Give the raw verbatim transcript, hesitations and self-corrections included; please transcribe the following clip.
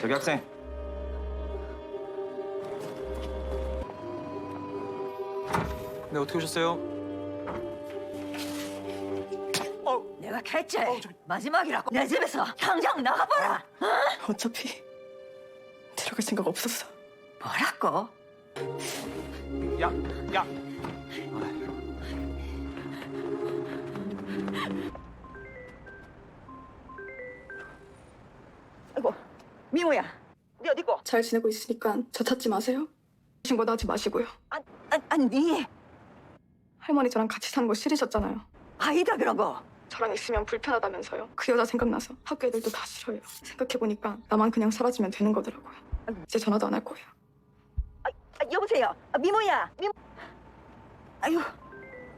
저기 학생. 네, 어떻게 오셨어요? 내가 했지. 마지막이라고. 내 집에서 당장 나가봐라. 어차피 들어갈 생각 없었어. 뭐라고? 야, 야. 아이고, 미모야. 네 어디고? 잘 지내고 있으니까 저 찾지 마세요. 신고도 하지 마시고요. 아, 아, 아니, 네 할머니 저랑 같이 사는 거 싫으셨잖아요. 아니다 그런 거. 저랑 있으면 불편하다면서요. 그 여자 생각나서 학교 애들도 다 싫어해요. 생각해보니까 나만 그냥 사라지면 되는 거더라고요. 이제 전화도 안 할 거예요. 아, 여보세요. 아, 미모야. 미. 아유.